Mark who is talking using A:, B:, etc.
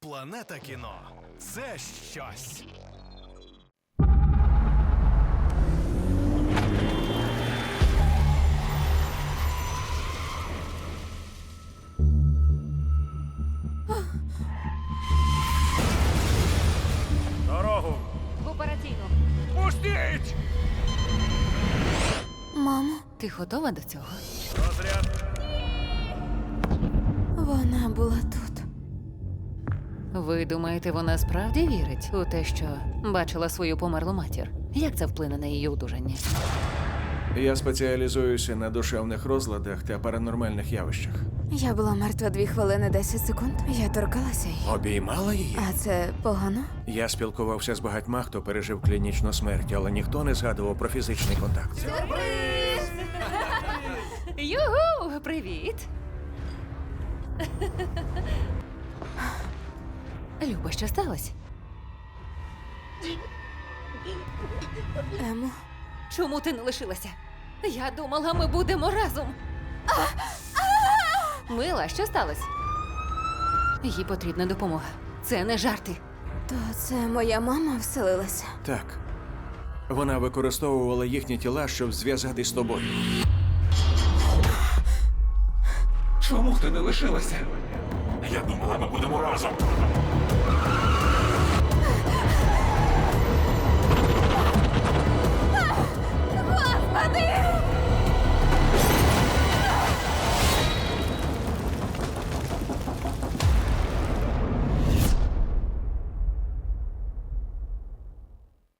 A: Планета кіно – це щось.
B: Дорогу!
C: В операційну.
B: Пустіть!
D: Мамо,
C: Ти готова до цього?
B: Розряд!
D: вона була тут.
C: Ви думаєте, вона справді вірить у те, що бачила свою померлу матір? Як це вплине на її одужання?
E: Я спеціалізуюся на душевних розладах та паранормальних явищах.
D: Я була мертва 2 хвилини 10 секунд. Я торкалася її.
E: Обіймала її?
D: А це погано?
E: Я спілкувався з багатьма, хто пережив клінічну смерть, але ніхто не згадував про фізичний контакт.
C: Югу! Привіт! Люба, що сталося?
D: Емо,
C: Чому ти не лишилася? Я думала, ми будемо разом. Мила, що сталося? Їй потрібна допомога. Це не жарти.
D: то це моя мама вселилася.
E: Так. Вона використовувала їхні тіла, щоб зв'язатись з тобою.
F: Чому ти не лишилася? Я думала, ми будемо разом.
D: Господи!